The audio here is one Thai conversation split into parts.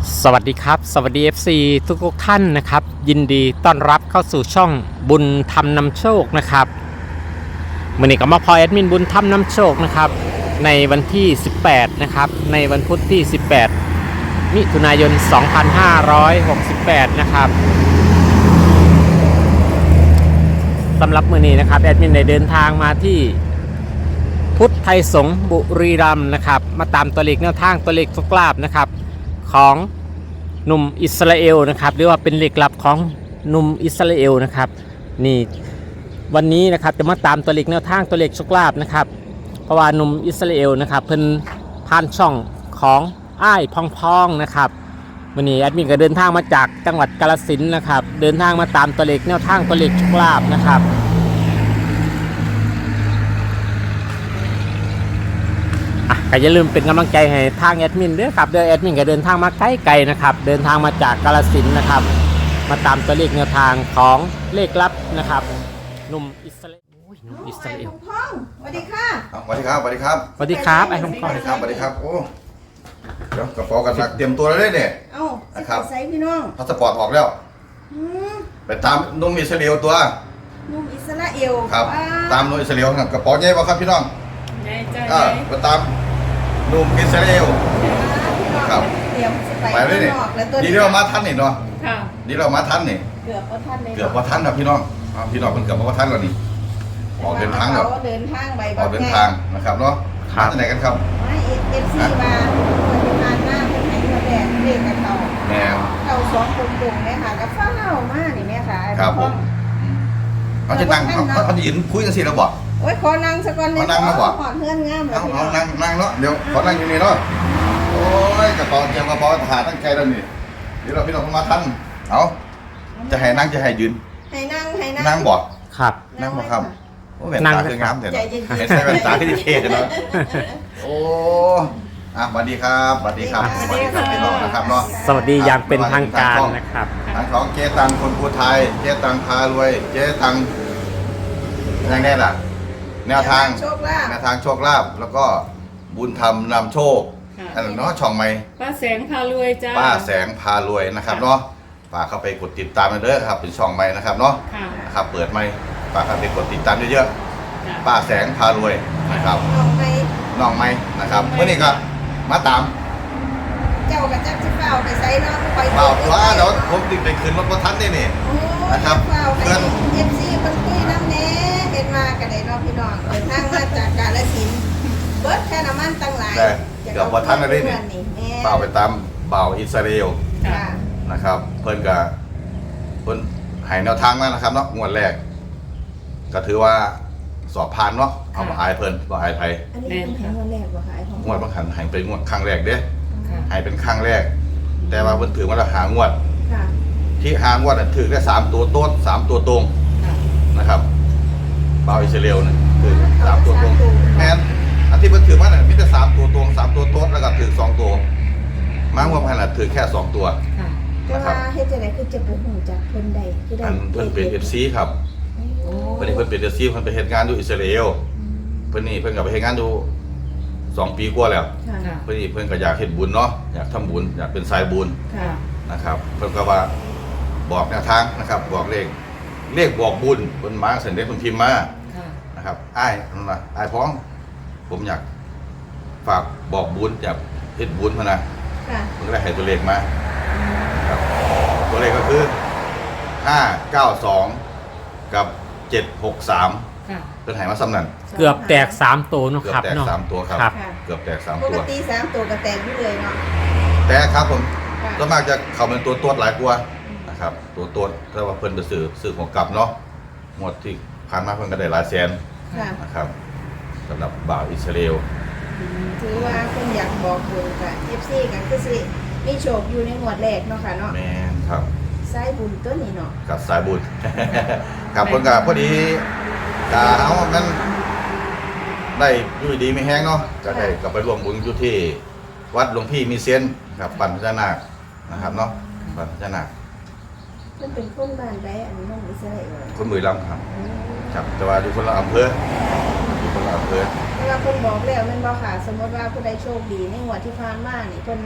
สวัสดีครับสวัสดี FC ทุกท่านนะครับยินดีต้อนรับเข้าสู่ช่องบุญธรรมนำโชคนะครับวันนี้ก็มาพอแอดมินบุญธรรมนำโชคนะครับในวันที่18นะครับในวันพุธที่18มิถุนายน2568นะครับสำหรับมื้อนี้นะครับแอดมินได้เดินทางมาที่พุทธไทยสงฆ์บุรีรัมย์นะครับมาตามตัวเลขแนวทางตัวเลขโชคลาภนะครับของหนุ่มอิสราเอลนะครับหรือว่าเป็นเหล็กลับของหนุ่มอิสราเอลนะครับนี่วันนี้นะครับจะมาตามตัวเลขแนวทางตัวเลขโชคลาภนะครับเพราะว่าหนุ่มอิสราเอลนะครับเพิ่นผ่านช่องของอ้ายพองนะครับวันนี้แอดมินก็เดินทางมาจากจังหวัดกาฬสินธุ์นะครับเดินทางมาตามตัวเลขแนวทางตัวเลขโชคลาภนะครับก็อย่าลืมเป็นกำลังใจให้ทางแอดมินด้วยครับเดี๋ยวแอดมินก็เดินทางมาไกลๆนะครับเดินทางมาจากกาฬสินธุ์นะครับมาตามตัวเลขแนวทางของเลขลับนะครับหนุ่มอิสราเอลหนุ่มอิสราเอลพ่องสวัสดีค่ะสวัสดีครับสวัสดีครับสวัสดีครับไอ้พองสวัสดีครับสวัสดีครับโอ้เดี๋ยวกระเป๋ากันหนักเตรียมตัวแล้วเนี่ยเอ้านะครับใส่พี่น้องพาสปอร์ตออกแล้วอืมไปตามนุ่มอิสราเอลตัวนุ่มอิสราเอลครับว้ตามนุ่มอิสราเอลครับกระเป๋าใหญ่ป่ะครับพี่น้องใหญ่ใจไปตามนุ่มอิสราเอล ครับเตรียมสิไปเลยเนี่ยข้างนอกแล้วตัวดีเรามาทันนี่เนาะค่ะดีเรามาทันนี่เกือบว่าท่านเลยเกือบว่าทันครับพี่น้องพี่น้องเพิ่นเกือบว่าทันแล้วนี่ออกเดินทางแล้วเขาเดินทางไปออกเดินทางนะครับเนาะมาที่ไหนกันครับไม่เอฟซีมาคนที่ผ่านหน้าเป็นไหนมาแดดเด็กกับเขาแนวเขาสองกลุ่มๆเนี่ยค่ะกับฟ้ามากนี่แม่ค่ะไอ้ครับผพ่อมงเขาจะนั่งเขาจะยืนคุยกันสิแล้วบอกโอ้ยขอนั่งสักวันเลยขอนั่งมาบ่ขอเพื่อนงามเลยเอานั่งเนาะเดี๋ยวขอนั่งอยู่นี่เนาะโอ้ยกระเป๋าเตรียมกระเป๋าทหารตั้งใจแล้วนี่เดี๋ยวเราพี่น้องเข้ามาทันเอาจะให้นั่งจะให้ยืนให้นั่งนั่งบอกครับนั่งบอกครับโอ้แว่นนั่งตาเลยคืองามเถอะใจเนาะเย็นๆให้ใส่แว่นตาที่เท่เนาะโอ้สวัสดีครับสวัสดีครับสวัสดีครับพี่น้องนะครับเนาะสวัสดีอย่างเป็นทางการนะครับทางของเจ๊ตังคนภูไทยเจ๊ตังพารวยเจ๊ตังยังไงล่ะ แนวทางโชคลาภแนวทางโชคลาภแล้วก็บุญธรรมนำโชคค่ะอันนั้นเนาะช่องใหม่ป้าแสงพารวยจ้าป้าแสงพารวยนะครับเนาะฝากเข้าไปกดติดตามกันเด้อครับเป็นช่องใหม่นะครับเนาะค่ะนะครับเปิดใหม่ฝากเข้าไปกดติดตามเยอะจ้ะๆป้าแสงพารวยนะครับน้องไปน้องใหม่นะครับเมื่อนี้ก็มาตามเจ้ากับจักรเฝ้าไปใส่เนาะไปเปล่าตัวเดี๋ยวผมติดไปคืนรถประทันนี่นี่ นะครับเฝ้าเพื่ให้อนเอฟซีเพิ่นคุยน้ำแหน่เห็นมากันได้เนาะพี่น้องเดินทางมาจากกาฬสินธุ์เบิดแค่น้ำมันตั้งหลายแต่เกือบประทันอะไรนี่แม่เปล่าไปตามเบาอิสราเอลค่ะนะครับเพิ่นก็เพิ่นให้แนวทางมานะครับเนาะงวดแรก ก็ถือว่าสอบผ่านเนาะเอาบ่อายเพิ่นบ่อายไผอันนี้เป็นแห่งวันแรกบ่คะไอ้ของงวดบางขันให้เป็นงวดครั้งแรกเด้ค่ะให้เป็นครั้งแรก แต่ว่าเพิ่นถือว่าเราหางวดค่ะที่หางวดน่ะถือได้3ตัวโต๊ด3ตัวตรงค่ะนะครับเบาอิสราเอลน่ะถือ3ตัวตรงแม่นอันที่เพิ่นถือมาน่ะมีแต่3ตัวตรง3ตัวโต๊ดแล้วก็ถือ2ตัวมางวดพันน่ะถือแค่2ตัวค่ะแต่ว่าเฮ็ดจังได๋คือจะไปหูจากเพิ่นใดคือได้อันเพิ่นเป็น FC ครับโอ้เพิ่นนี่เพิ่นเป็น FC เพิ่นไปเฮ็ดงานอยู่อิสราเอลเพิ่นนี่เพิ่นก็ไปเฮ็ดงานอยู่2 ปีกว่าแล้วค่ะค่ะเพิ่นนี่เพิ่นก็อยากเฮ็ดบุญเนาะอยากทำบุญอยากเป็นสายบุญค่ะนะครับเพิ่นก็ว่าบอกแนวทางนะครับบอกเลขบอกบุญเพิ่นมาเสร็จเด็กเพิ่นพิมพ์มาค่ะนะครับอ้ายนั่นว่าอ้ายพ้อง ผมอยากฝากบอกบุญอยากเฮ็ดบุญพะนะค่ะเพิ่นก็ได้ให้ตัวเลขมาครับตัวเลขก็คือ592กับ763 ค่ะเพิ่นให้มาซ้ำนั้นเกือบแตก3ตัวเนาะเกือครับบแตกเนาะ 3ตัวครับครับค่ะเกือบแตกป 3 กตัวติ3ตัวก็แตกอยู่เลยเนาะแต่ครับผมค่ะส่วนมากจะเข้าเป็นตัวตัวหลายกว่านะครับตัวตัวแต่ว่าเพิ่นไปซื้อของกลับเนาะหมดที่ผ่านมาเพิ่นก็ได้หลายแสนค่ะนะครับสำหรับบ่าวอิสราเอลถือว่าเพิ่นอยากบอกบุญกับ FC ก็คือสิมีโชคอยู่ในหมวดแรกเนาะค่ะเนาะแม่นครับสายบุญตัวนี้เนาะกับสายบุญ ครับเพิ่นก็พอดีก็เอามันได้อยู่ดีไม่แห้งเนาะก็ได้กลับไปร่วมบุญอยู่ที่วัดหลวงพี่มีเซียนครับปันพญานาคนะครับเนาะปันพญานาคเพิ่นเป็นคนบ้านใดอันน้องอิสราเอลคนบุรีรัมย์ครับครับแต่ว่าอยู่คนละอำเภออยู่คนละอำเภอแต่ว่าเพิ่นบอกแล้วแม่นบ่ค่ะ สมมติว่าผู้ใดโชคดีในงวดที่ผ่านมานี่เพิ่น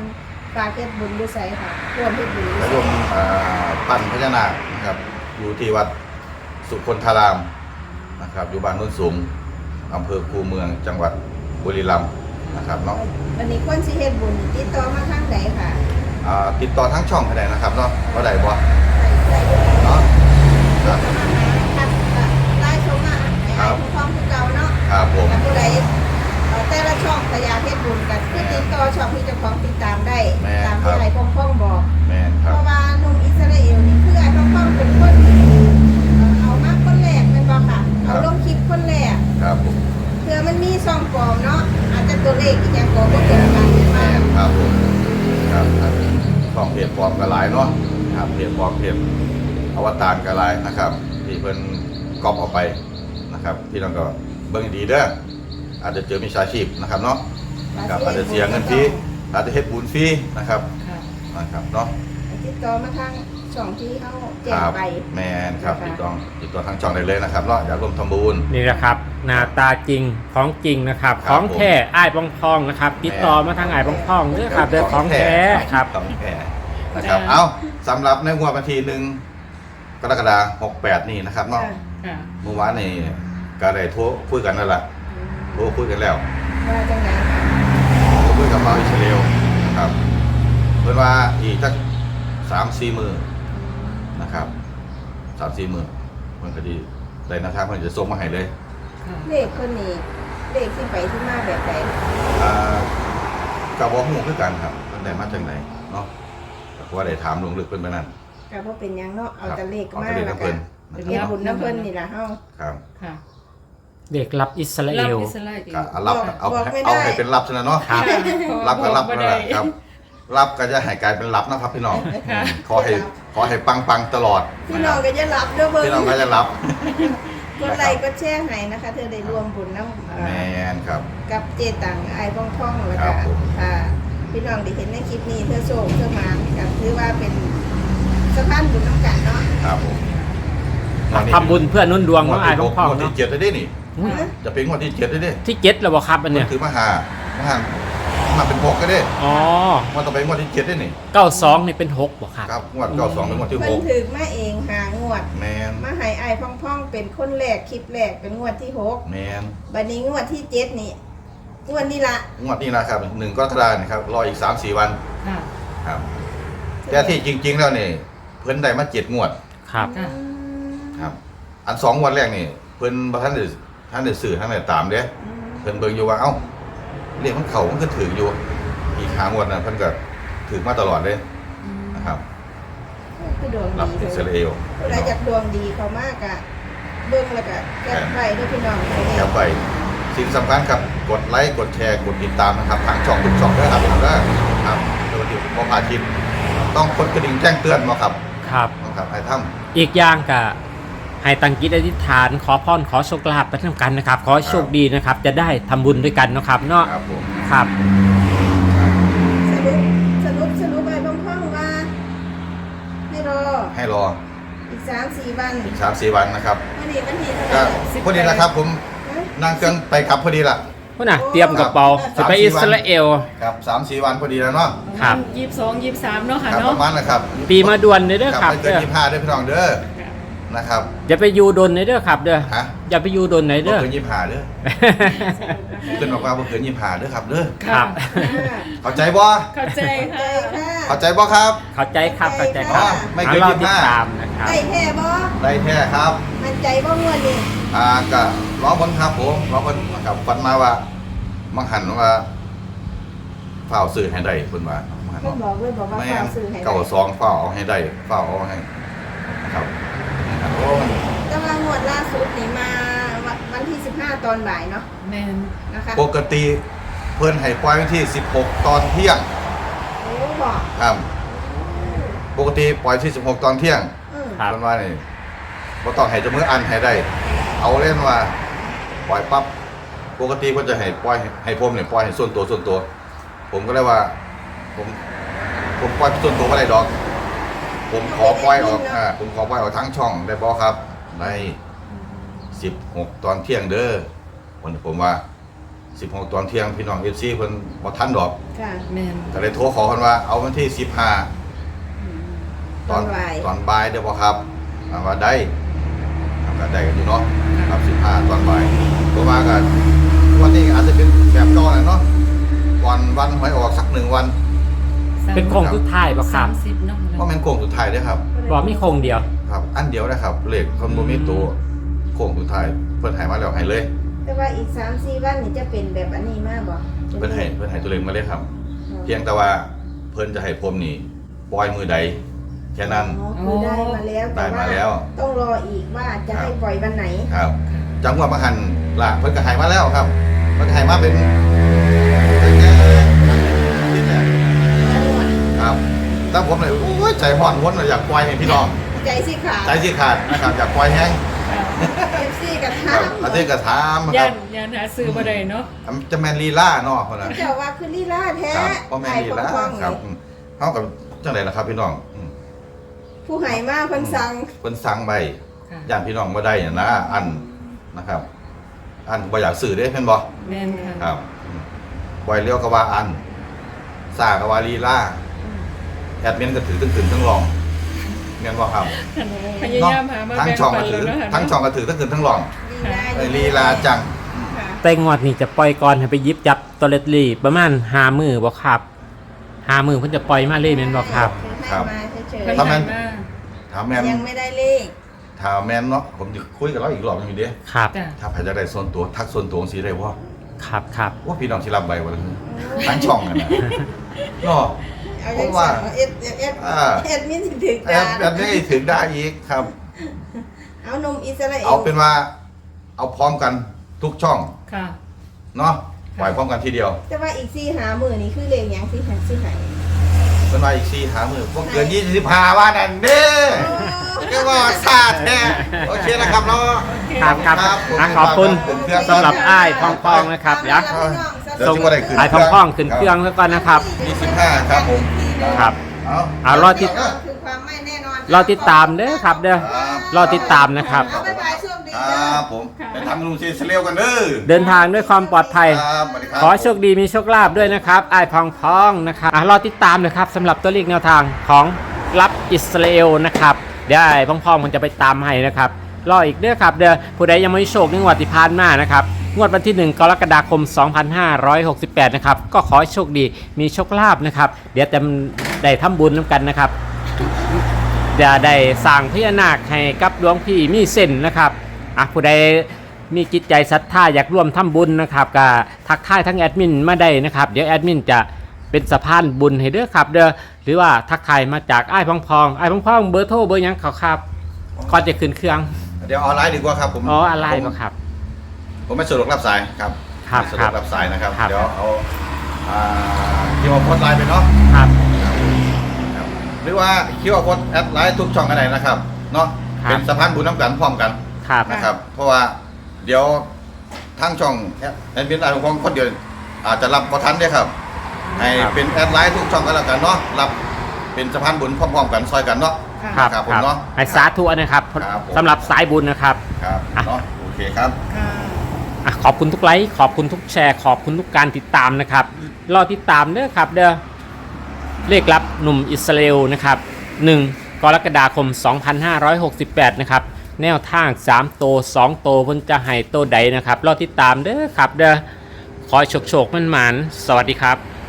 ฝากเฮ็ดบุญด้วยไสค่ะร่วมเฮ็ดบุญด้และวยรวมปั้นพญานาคนะครับอยู่ที่วัดสุคนธารามนะครับอยู่บ้านโนนสูงอำเภอคูเมืองจังหวัดบุรีรัมย์นะครับเนาะวันนี้คนสิเฮ็ดบุญติดต่อมาทางใดค่ะติดต่อทั้งช่องก็ได้นะครับเนาะว่าได้บ่ได้เนาะครับไล่ชมมาให้ผู้ฟังคือเก่าเนาะครับผมแต่ผู้ใดแต่ละช่องพยาเฮ็ดบุญกันคือติดต่อช่องที่เจ้าของติดตามได้ตามที่ไอ้พ่องบอกแม่นคเพรับราะว่าหนุ่มอิสราเอลนี่คือไอ้พ่องเป็นคนเอามาคนแรกเป็นบ่ค่ะเอาลงคลิปคนแรกครับผมเพื่อมันมีซ่องปลอมเนาะอาจจะตัวเลขอีกอย่างก็บ่ตรงกันมาครับผมครับช่องเพจปลอมก็หลายเนาะครับเพจปลอมเพจอวตารก็หลายนะครับที่เพิ่นก๊อปออกไปนะครับที่นั่นก็เบิ่งดีเด้ออาจจะเจอมิจฉาชีพนะครับเนาะครับอาจจะเสียเงินฟรีอาจจะเฮ็ดบุญฟรีนะครับค่ะนะครับเนาะติดต่อมาทางช่องที่เฮาแจ้คงรับไปแมนครับติดต่อทางช่องได้เลยนะครับเนาะอยากร่วมทำบุญนี่นะครับหน้าตาจริงของจริงนะครับครับของแท้อ้ายปองพองนะครับติดต่อมาทางอ้ายปองพองเด้อครับเด้อของแท้ครับของแท้นะครับเอาสำหรับในงวดวันที่1 กรกฎาคม 68 นี่นะครับเนาะค่ะเมื่อวานนี่ก็ได้โทรคุยกันนั่นแหละโทรคุยกันแล้วว่าจังไดค่ะโทรคุยกับเราอิสราเอลนะครับเพิ่นว่าอีกสัก3-4 มื้อนะครับ3-4 มื้อมันก็ดีได้นะครับเพิ่นจะส่งมาให้เลยค่ะเลขคนนี้เลขที่ไปที่มาแบบใดกับบ่ฮู้คือกันครับมันได้มาจากไหนเนาะก็ว่าได้ถามลงลึกเพิ่นไปนั่นก็บ่เป็นหยังเนาะเอาแต่เลขเอามาแต่เลขแล้วเพิ่ก็นเฮ็ดบุญน้ำเพิ่นนี่ล่ะเฮาครับค่ะเด็กรับอิสราเอรับลอิสราเอลก็รับเอาบอกไม่ได้เอาให้เป็นรับซะนะเนาะครับรับก็รับบ่นั่นได้แหละครับ รับก็จะให้กลายเป็นรับนะครับพี่น้องค่ะขอให้ปังๆตลอดพี่น้องก็จะรับเด้อเบิ่งพี่น้องก็จะรับกดไลค์กดแชร์ให้นะคะ เธอได้รวมบุญน้ำแมนครับกับเจตังไอ้พ่องๆแล้วครัก็บผมค่ะพี่น้องได้เห็นในคลิปนี้เธอโชคเธอหมานกับถือว่าเป็นสะพานบุญน้ำกันเนาะครับผมทำบุญเพื่อนุ่นดวงงขวอดงอ้ายที่ปองพองงวดที่เนาะ 7ได้ดินี่อุ้ยจะเป็นงวดที่7ได้ดิที่เจ็ดแล้วบ่ครับอันเนี่ยถือมาเป็น6ก็ได้อ๋อมันต้องเป็นงวดที่7ได้นี่ 92นี่เป็น6บ่ครับครับงวด92เป็นงวดที่เพิ่นถือมาเองหางวด 6แมนมาให้ไอ้พ่องๆเป็นคนแรกคลิปแรกเป็นงวดที่6 แมนบัดนี้งวดที่7นี่งวดนี้ละงวดนี้นะครับ1 กรกฎาคมนะครับรออีก 3-4 วันค่ะครับแต่ที่จริง ๆ แล้วนี่เพิ่นได้มา7 งวดครับค่ะครับอัน2 งวดแรกนี่เพิ่นบ่ทันได้สื่อทันได้ตามเด้เพิ่นเบิ่งอยู่ว่าเอ้าเลขมันเข้ามันก็ถืออยู่อีก5 งวดน่ะเพิ่นก็ถือมาตลอดเลยนะครับคือดวงรับดีอิสเลราย เอลผู้ใดอยากดวงดีเขามากอะเบิ่งแล้วก็แก้ไขด้วยพี่น้องเขาเองแคปไปสิ่งสำคัญครับกดไลค์กดแชร์กดติดตามนะครับทางช่องทุกช่องด้วยครับครับโดยที่บ่พลาดคลิปต้องกดกระดิ่งแจ้งเตือนบ่ครับครับนะครับให้ทำอีกอย่างก็ให้ตั้งจิตอธิษฐานขอพรขอโชคลาภไปทำกันนะครับ ขอให้โชคดีนะครับ จะได้ทำบุญด้วยกันเนาะครับเนาะครับผมครับสรุปไปพร้อมๆว่าให้รอให้รออีก3-4 วันอีก3-4 วันนะครับวันนี้วันที่เท่าไหก็ร่พอดีนะครับผมนั่งเครื่องไปกลับพอดีล่ะพุ่นน่ะเตรียมกระเป๋าจะไปอิสราเอลครับ3-4 วันพอดีแล้วเนาะครับ 22 23เนาะค่ะครับปเนาะระมาณนะครับปีมาด่วนเลยเด้อคครัรับบ ไม่เกินเด้อ 25เด้อพี่น้องเด้อค่ะนะครับอย่าไปยูดนเลยเด้อครับเด้อฮะอย่าไปยูดนไหนบ่เด้อเกิน25เด้อเกินบอกว่าบ่เกิน25เด้อครับเด้อครับเข้าใจบ่เข้าใจใจค่ะค่ะเข้าใจบ่ครับเข้าใจครับเข้าใจครับไม่เกินรอ 25 ติดตามนะครับได้แท้บ่ได้แท้ครับมันใจบ่งวดนี่ก็ร้องบนครับผมร้องบนกับฟันมาว่ามังหันว่าเฝ้าซื้อให้ได้เพิ่นว่ามังหันเพิ่นบอกเลยบอกว่าแม่ฝากซื้อให้ได้เก่าซองเฝ้าเอาให้ได้เฝ้าเอาให้นะครับโอ้มันแต่ว่างวดล่าสุดนี่มาวันที่15ตอนบ่ายเนาะแมนนะคะปกติเพิ่นให้ปล่อยวันที่16ตอนเที่ยงโอ้บอกครับปกติปล่อยที่16ตอนเที่ยงครับเพิ่นว่านี่บ่ต้องให้เจามืออันให้ได้ เอาเล่นว่าปล่อยปั๊บปกติเพิ่นจะให้ปล่อยให้ผมเนี่ยปล่อยให้ส่วนตัว ผมก็เลยว่า ผมปล่อยส่วนตัวบ่ได้ดอก ผมขอปล่อยออกผมขอปล่อยออกทั้งช่องได้บ่ครับได้16ตอนเที่ยงเด้อผมว่า 16ตอนเที่ยงพี่น้อง FC เพิ่นบ่ทันดอกค่ะแม่นก็เลยโทรขอเพิ่นว่าเอาวันที่15 ตอนบ่ายตอนบ่ายเด้อบ่ครับว่าได้ก็ได้กันอยู่เนาะครับ15ตอนบ่ายตัวมาก็วันนี้อาจจะเป็นแบบเก่าแหละเนาะวันหวยออกสัก1วันเป็นโครงสุดท้ายบ่ครับ 30เนาะบ่แม่นโค้งสุดท้ายเด้อครับบ่มีโครงเดียวครับอันเดียวนะครับเลขคนบ่มีตัวโค้งสุดท้ายเพิ่นให้มาแล้วให้เลยแต่ว่าอีก 3-4 วันนี่จะเป็นแบบอันนี้มากบ่เพิ่นให้ตัวเลขมาเลยครับ เพียงแต่ว่าเพิ่นจะให้ผมนี่ปล่อยมือใดแค่นั้นอ๋อคือได้มาแล้วได้มาแล้วต้องรออีกว่าจะให้ปล่อยวันไหนครับ จังหวะมาหันล่ะเพิ่นก็ให้มาแล้วครับเพิ่นก็ให้มาเป็นครับแต่ผมเลยโอ้ยใจร้อนวนเลยอยากปล่อยให้พี่น้องใจสิขาดใจสิขาดนะครับอยากปล่อยแห้ง FC กับคทารับงอาทิตย์ก็ถามคย่ารับนย่านหาซื้อบ่ได้เนาะจะแม่นลีลาเนาะเพิ่นน่ะเจ้าว่าคือลีลาแท้ครับบ่แม่นลีลาไอ้ของๆครับนี่เฮากับจังได๋ล่ะครับพี่น้องผู้ให้มาเพิ่นสั่งเพิ่นสั่งไปค่ะย่านพี่น้องบ่ได้น่ะนะอันนะครับ อันบ่อยากซื้อเด้เพิ่นบ่แม่นค่ะครับปล่อยเลี้ยวก็ว่าอันซ่าก็ว่าลีลาแอดมินก็ถือทั้งขึ้นทั้งลองแม่นบ่ครับพยายามหามาทั้งแบ่งช่องปัก็นถืแล้อวเนาะทั้งช่องก็ถือทั้งขึ้นทั้งลองลีลาลีลาจังค่ะแต่งวดนี้จะปล่อยก่อนให้ไปหยิบจับตัวเลตลี่ประมาณ5มื้อบ่ครับ5มื้อเพิ่นจะปล่อยมาเลยแม่นบ่ครับครับให้มาเฉยเพิ่นถ้าแม่ให้นมาถามแม่นๆยังไม่ได้เลขถามแม่นเนาะผมจะคุยกับเราอีกรอบหนึงอยู่เด้ครับจ้ะถ้าใครจะได้ส่วนตัวทักส่วนตัวสิได้บ่ครับครับว่าพี่น้องสิรับใบบ่ล่ะทั้งช่องนั่นน่ะเนาะเอาเพจังราะว่าสั่งเอ็ดมินสิถึงแอการบแบบนี้ถึงได้อีกครับเอานมอิสราเอลเอาเป็นว่าเอาพร้อมกันทุกช่องค่ะเนาะปล่อยพร้อมกันทีเดียวแต่ว่าอีก4หามื้อนี่คือเลขหยังสิหาสิให้เป็นว่าอีก4หามือพวกเกิน25ว่านั่นเด้เรียกว่าซาแท้โอเคนะครับเนาะครับครับผมขอบคุณผมเครื่องสำหรับอ้ายพองๆนะครับเดี๋ยวเดี๋ยวจะบ่ได้ขึ้นอ้ายพองๆขึ้นเครื่องแล้วก่อนนะครับ 25ครับผมครับ เอารอติดคือความไม่แน่นอนรอติดตามเด้อครับเด้อรอติดตามนะครับเอาบ๊ายบายโชคดีคเด้รัอบผมไปทำลุงซีเซเลวกันเด้อเดินทางด้วยความปลอดภัยครับสวัสดีครับขอให้โชคดีมีโชคลาภด้วยนะครับอ้ายพองๆนะครับรอติดตามนะครับสำหรับตัวเลขแนวทางของรับอิสราเอลนะครับเดี๋ยวอ้ายพองๆมันจะไปตามให้นะครับรออีกเด้อครับเด้อผู้ใดยังไม่โชคในงวดที่ผ่านมานะครับงวดวันที่1กรกฎาคม 2568นะครับก็ขอให้โชคดีมีโชคลาภนะครับเดี๋ยวจะได้ทำบุญน้ำกันนะครับจะได้สร้างพญานาคให้กับหลวงพี่มีเส้นนะครับผู้ใดมีจิตใจศรัทธาอยากร่วมทำบุญนะครับก็ทักทายทั้งแอดมินมาได้นะครับเดี๋ยวแอดมินจะเป็นสะพานบุญให้เด้อครับเด้อหรือว่าทักทายมาจากอ้ายพองๆอ้ายพองๆเบอร์โทรเบอร์หยังเขาครับก่อนจะขึ้นเครื่องเดี๋ยวออนไลน์ดีกว่าครับผมอ๋ออะไรบ่ครับผมไม่สะดวกรับสายครับครับไม่สะดวกรับสายนะครับครับเดี๋ยวเอาคิวอาร์โค้ดไลน์ไปเนาะครับครับหรือว่าคิวอาร์โค้ดแอดไลน์ทุกช่องกันไหนนะครับเนาะครับเป็นสะพานบุญน้ำกันพร้อมกันครับนะครับ เพราะว่าเดี๋ยวทั้งช่องแอดมินไลน์ของคนเดียวอาจจะรับประทันได้ครับให้เป็นแอดไลน์ทุกช่องกันแล้วกันเนาะรับเป็นสะพานบุญพร้อมๆกันซอยกันเนาะครับครับผมครับเนาะให้สาธุนะครับครับผมสำหรับสายบุญนะครับครับเนาะโอเคครับขอบคุณทุกไลค์ขอบคุณทุกแชร์ขอบคุณทุกการติดตามนะครับรอติดตามเด้อครับเด้อเลขลับหนุ่มอิสราเอลนะครับ1กรกฎาคม 2568นะครับแนวทาง3โต2โตเพิ่นจะให้โตใดนะครับรอติดตามเด้อครับเด้อขอโชคๆมันๆสวัสดีครับ